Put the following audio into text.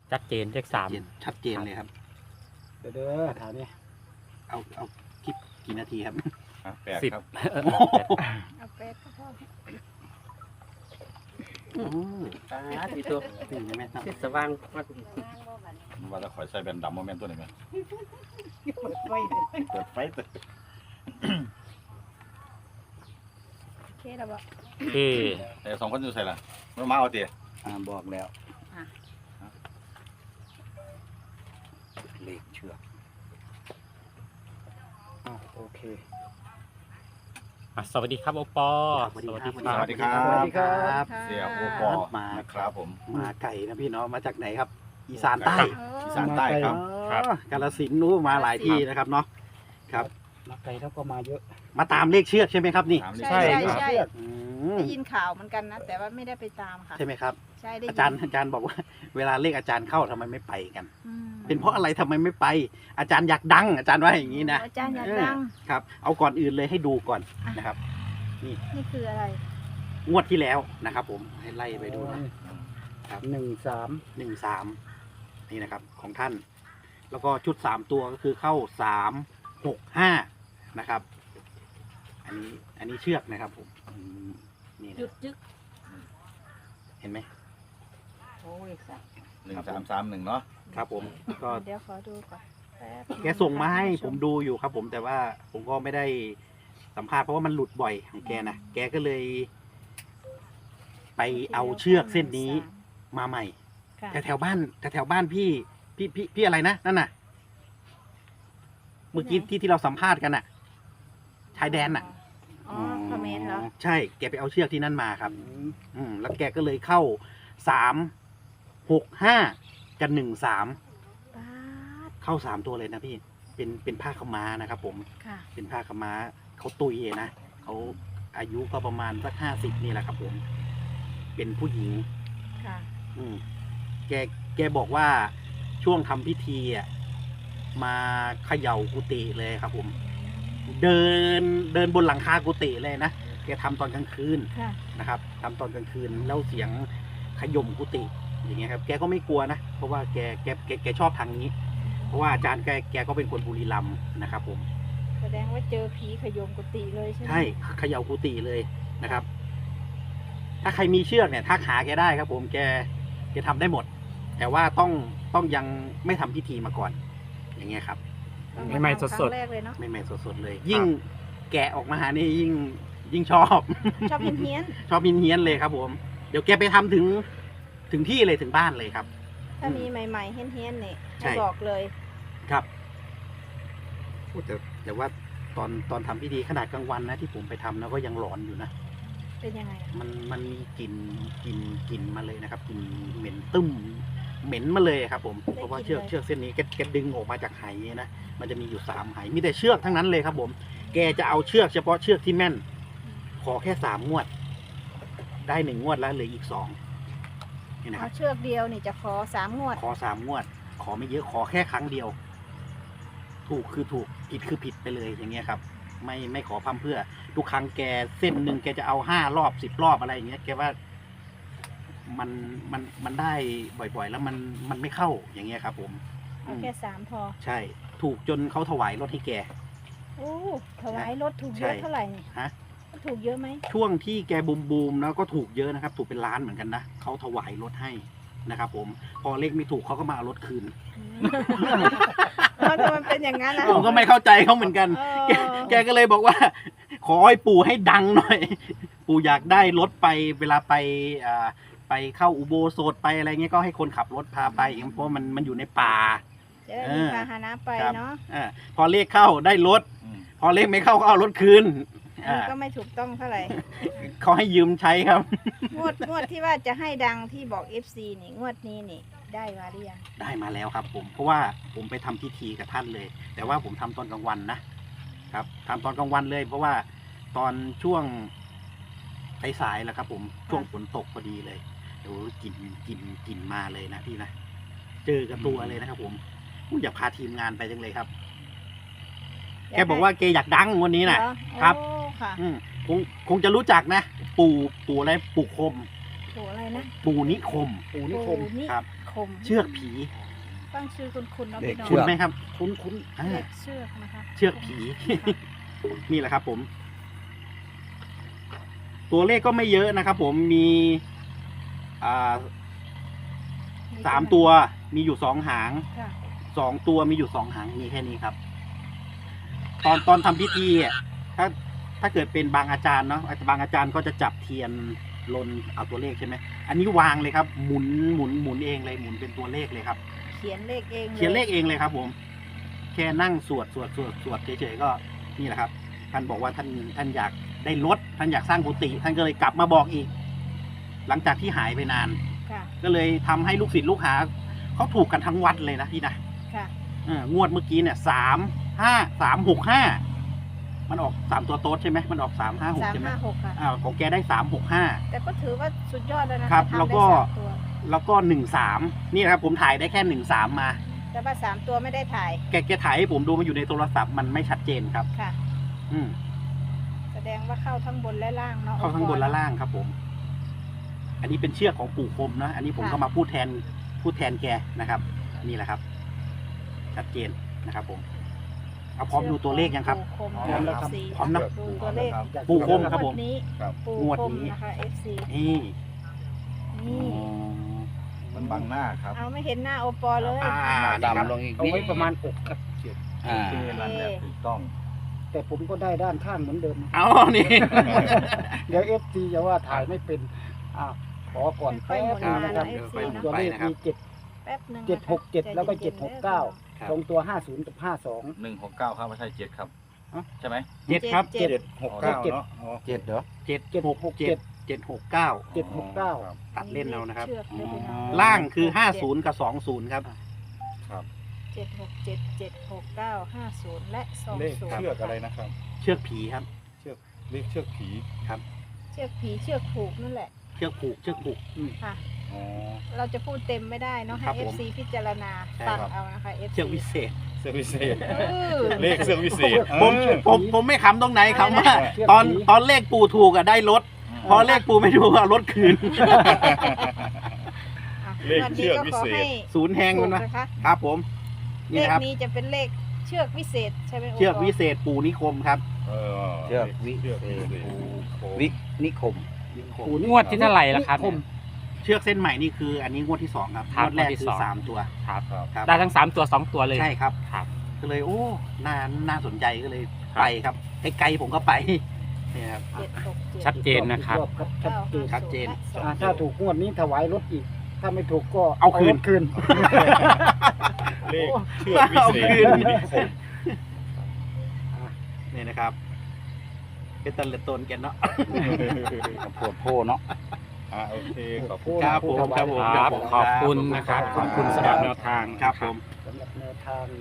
ชัดเจนเลขสามชัดเจนเลยครับเด้อถามนี่เอาคลิปกี่นาทีครับ 8 10 ครับเอาแปดก็พอที่ตัวตื่นไหมครับที่สว่างว่ามันว่าจะคอยใส่แบนดำโมเมนต์ตัวนี้ไหมเปิดไฟเปิดไฟเตอโอเคแล้วบอกที่แต่2 คนอยู่ใส่ละไม่มาเอาเตี๋ยบอกแล้วอ่ะเลขเชือกโอเคสวัสดีครับโอปอสวัสดีครับสวัสดีครับเสียโอปอนะครับผมมาไก่นะพี่เนาะมาจากไหนครับ อีสานใต้อีสานใต้ครับครับกาฬสินธุ์นู้นมาหลายที่นะครับเนาะครับมาไกลแล้วก็มาเยอะมาตามเลขเชือกใช่ไหมครับนี่ถามใช่เลยใช่ครับใช่อืมได้ยินข่าวเหมือนกันนะ แต่ว่าไม่ได้ไปตามค่ะใช่ไหมครับใช่ได้ยินอาจารย์บอกว่า เวลาเลขอาจารย์เข้าทำไมไม่ไปกันอืมเป็นเพราะอะไรทำไมไม่ไป อาจารย์อยากดัง อาจารย์ว่าอย่างนี้นะอาจารย์อยากดังครับ เอาก่อนอื่นเลยให้ดูก่อนนะครับนี่คืออะไรงวดที่แล้วนะครับ ผมให้ไล่ไปดูนะ 13 13นี่นะครับ ของท่าน แล้วก็ชุด3ตัวก็คือเข้า3 6 5นะครับ อันนี้เชือกนะครับผมนี่หยุนะดยึกเห็นไหมโอ้ยสัก 1331เนาะครับผมก็เดี๋ยวขอดูก่อนแป๊บแกส่งมาให้ผมดูอยู่ครับ ผมแต่ว่าผมก็ไม่ได้สัมภาษณ์เพราะว่ามันหลุดบ่อยของแกนะแกก็เลย ไปเอาเชือกเส้นนี้มาใหม่ค่ะแถวๆบ้านแถวๆบ้านพี่อะไรนะนั่นน่ะ เมื่อกี้ที่เราสัมภาษณ์กันน่ะ ชายแดนน่ะอ๋อคอมเมนต์เหรอใช่แกไปเอาเชือกที่นั่นมาครับ แล้วแกก็เลยเข้า3 6 5กับ13 ป๊าดเข้า3 ตัวเลยนะพี่เป็นผ้าขาวม้านะครับ ผมค่ะเป็นผ้าขาวม้าเขาตุยนะเขาอายุก็ประมาณสัก50นี่แหละครับ ผม เป็นผู้หญิงค่ะอืมแกบอกว่าช่วงทำพิธีอ่ะมาเขย่ากุฏิเลยครับ ผม เดินบนหลังคากุฏิเลยนะแกทำตอนกลางคืนค่ะนะครับทำตอนกลางคืนแล้วเสียงขย่มกุฏิอย่างเงี้ยครับ แกก็ไม่กลัวนะเพราะว่าแกชอบทางนี้ เพราะว่าอาจารย์แกก็เป็นคนบุรีรัมย์นะครับ ผมแสดงว่าเจอผีขยมกุฏิเลยใช่ไหมใช่เขย่ากุฏิเลยนะครับ ถ้าใครมีเชือกเนี่ยทักหาแกได้ครับ ผมแกทำได้หมด แต่ว่าต้องยังไม่ทำพิธีมาก่อน อย่างเงี้ยครับใหม่ๆสดครั้งแรกเลยเนาะไม่สดๆเลย ยิ่งแกะออกมานี่ยิ่งชอบชอบเฮี้ยนชอบเฮี้ยนๆเลยครับ ผม เดี๋ยวแกไปทำถึงที่เลยถึงบ้านเลยครับๆถ้ามีใหม่ๆเฮี้ยนๆเนี่ยใช่ให้บอกเลยครับพูดแต่ว่าตอนทำพิธีขนาดกลางวันนะที่ผมไปทำนะก็ยังหลอนอยู่นะเป็นยังไงอะมันมีกลิ่นมาเลยนะครับกลิ่นเหม็นตึ้มเหม็นมาเลยครับ ผมเพราะว่าเชือกเส้นนี้แกดึงออกมาจากไหนะมันจะมีอยู่3ไหมีแต่เชือกทั้งนั้นเลยครับ ผม แกจะเอาเชือกเฉพาะเชือกที่แม่น ขอแค่3 งวด ได้1 งวดแล้วเหลืออีก2นี่นะคเอารับเชือกเดียวนี่จะขอ3 งวดขอ3 งวด ขอไม่เยอะขอแค่ครั้งเดียว ถูกคือถูกผิดคือผิดไปเลยอย่างเงี้ยครับ ไม่ขอพร่ำเพื่อทุกครั้งแกเส้นหนึ่งแกจะเอา5 รอบ10 รอบอะไรอย่างเงี้ยแกว่ามันได้บ่อยๆ แล้วมันไม่เข้าอย่างเงี้ยครับ ผมเอาแค่3พอใช่ ถูกจนเขาถวายรถให้แกโอ้ถวายรถถูกเยอะใช่เท่าไหร่นี่ฮะถูกเยอะไหมช่วงที่แกบูมแล้วก็ถูกเยอะนะครับ ถูกเป็นล้านเหมือนกันนะเขาถวายรถให้นะครับ ผมพอเลขไม่ถูกเขาก็มาเอารถคืนเออแต่มันเป็นอย่างนั้นนะผมก็ไม่เข้าใจเขาเหมือนกัน แกก็เลยบอกว่า ขอให้ปู่ให้ดังหน่อย ปู่อยากได้รถไปเวลาไปเข้าอุโบสถไปอะไรเงี้ยก็ให้คนขับรถพาไปเพราะมันอยู่ในป่าจะได้มีพาหนะไปครับเนาะพอเลขเข้าได้รถ พอเลขไม่เข้าก็เอารถคืนอันนี้ก็ไม่ถูกต้องเท่าไหร่เขาให้ยืมใช้ครับงวดที่ว่าจะให้ดังที่บอก FC นี่งวดนี้นี่ได้มาหรือยังได้มาแล้วครับ ผมเพราะว่าผมไปทำพิธีกับท่านเลย แต่ว่าผมทำตอนกลางวันนะครับทำตอนกลางวันเลย เพราะว่าตอนช่วงสายๆแหละครับ ผมช่วงฝนตกพอดีเลยเดี๋ยวกลิ่นมาเลยนะพี่นะเจอกับตัวเลยนะครับ ผมอยากพาทีมงานไปจังเลยครับแกบอกว่าแกอยากดังวันนี้นะเหอครับโอ้ค่ะคงจะรู้จักนะปู่อะไรปู่คมโหอะไรนะปู่นิคมปู่นิคมนิครับคมเชือกผีตั้งชื่อคุณเนาะเด็พี่กน้องเชืคุณอกไหมครับคุ้นอ่าเลขเชือกนะคะเชือกผี นี่แหละครับผม ตัวเลขก็ไม่เยอะนะครับผมมี3 ตัวมีอยู่2 หางค่ะ 2 ตัวมีอยู่2 หางมีแค่นี้ครับ ตอนทำพิธีอ่ะถ้าเกิดเป็นบางอาจารย์เนาะบางอาจารย์ก็จะจับเทียนลนเอาตัวเลขใช่ไหมอันนี้วางเลยครับ หมุนเองเลยหมุนเป็นตัวเลขเลยครับเขียนเลขเองเขียนเลขเองเลยครับ ผม แค่นั่งสวดเฉยๆก็นี่แหละครับ ท่านบอกว่าท่านอยากได้รถท่านอยากสร้างกุฏิท่านก็เลยกลับมาบอกอีก หลังจากที่หายไปนานค่ะก็เลยทำให้ลูกศิษย์ลูกหาเขาถูกกันทั้งวัดเลยนะพี่นะค่ะงวดเมื่อกี้เนี่ย3 5 3 6 5มันออก3 ตัวโต๊ดใช่ไหมมันออก3 5 6ใช่ไหม 356ค่ะของแกได้3 แต่ก็ถือว่าสุดยอดแล้วนะครับ ทำได้แล้วก็ 3 ตัว 6 5แล้วก็1 3นี่นะครับผมถ่ายได้แค่1 3มาแต่ว่า3 ตัวไม่ได้ถ่ายแกถ่ายให้ผมดูมันอยู่ในโทรศัพท์มันไม่ชัดเจนครับค่ะอืมแสดงว่าเข้าทั้งบนและล่างเนาะเข้าทั้งบนและล่างครับผม อันนี้เป็นเชือกของปู่คมนะอันนี้ผมก็มาพูดแทนแกนะครับ นี่แหละครับ ชัดเจนนะครับผมเอาพร้อมดูตัวเลขยังครับปู่คมพร้อมแล้วครับ FC พร้อมนะดูตัวเลขๆปู่คมครับผมงวดนี้ครับปู่งวดคมนี้นะคะ FC นี่นี่มันบังหน้าครับเอาไม่เห็นหน้าโอปอเลยดำลงอีกเอาไว้ประมาณอกครับโอเคนั่นแหละถูกต้องแต่ผมก็ได้ด้านข้างเหมือนเดิมเอานี่เดี๋ยว FT จะว่าถ่ายไม่เป็นขอก่อนแป๊บนึงนะครับค่อยๆหมุนตัวเลขมีแป๊บหนึง 767แล้วก็769 ครับตรงตัว50กับ52 169ครับไม่ใช่7ครับอ๋อใช่ไหม 7ครับเจ็ด 769เนาะ 7เหรอ 7 769 769 ตัดเล่นเอานะครับชือกด้วยพี่น้องล่างคือ50กับ20ครับ 767 769 50 และ 20 เลขเชือกอะไรนะครับเชือกผีครับเลขเชือกผีเชือกผีเชือกผูกนั่นแหละเชือกผูกค่ะอ๋อเราจะพูดเต็มไม่ได้เนาะให้ครับผม FC พิจารณาใช่ฟังครับเอานะคะ FC เชือกวิเศษเชือกวิเศษเออเลขเชือกวิเศษผมไม่ขำตรงไหนคำว่าเชือกตอนผีตอนเลขปู่ถูกอะได้รถ พอเลขปู่ไม่ถูกอะรถคืนอ่ะเลขเชือกวิเศษวันนี้ก็ขอให้ศูนย์แหงถูมันกนะนะคะครับผมเลนี่ขนะครับนี้จะเป็นเลขเชือกวิเศษใช่ไหมโเชือกวิเศษปู่นิคมครับเชือกวิเศษวินิคมงวดที่เท่าไหร่ล่ะครับเชือกเส้นใหม่นี่คือ อันนี้งวดที่2ครับครังบวดแรกงวดที่คือสอง 3 ตัวครับครับได้ทั้ง3ตัว2ตัวเลยใช่ครับครับก็เลยโอ้น่าสนใจก็เลยไปครับไกลๆผมก็ไปเนี่ยครับ 767 ชัดเจนนะครับชัดเจนถ้าถูกงวดนี้ถวายรถอีก ถ้าไม่ถูกก็เอาคืนรถคืนเลขเชือกวิเอาเศคืษนนิคมนี่นะครับ เป็นตะเลตนกันเนาะปวดโพเนาะโอเคขอบคุณครับผมครับผมครับ ขอบคุณนะครับ ขอบคุณสำหรับแนวทางครับผมสำหรับแนวทาง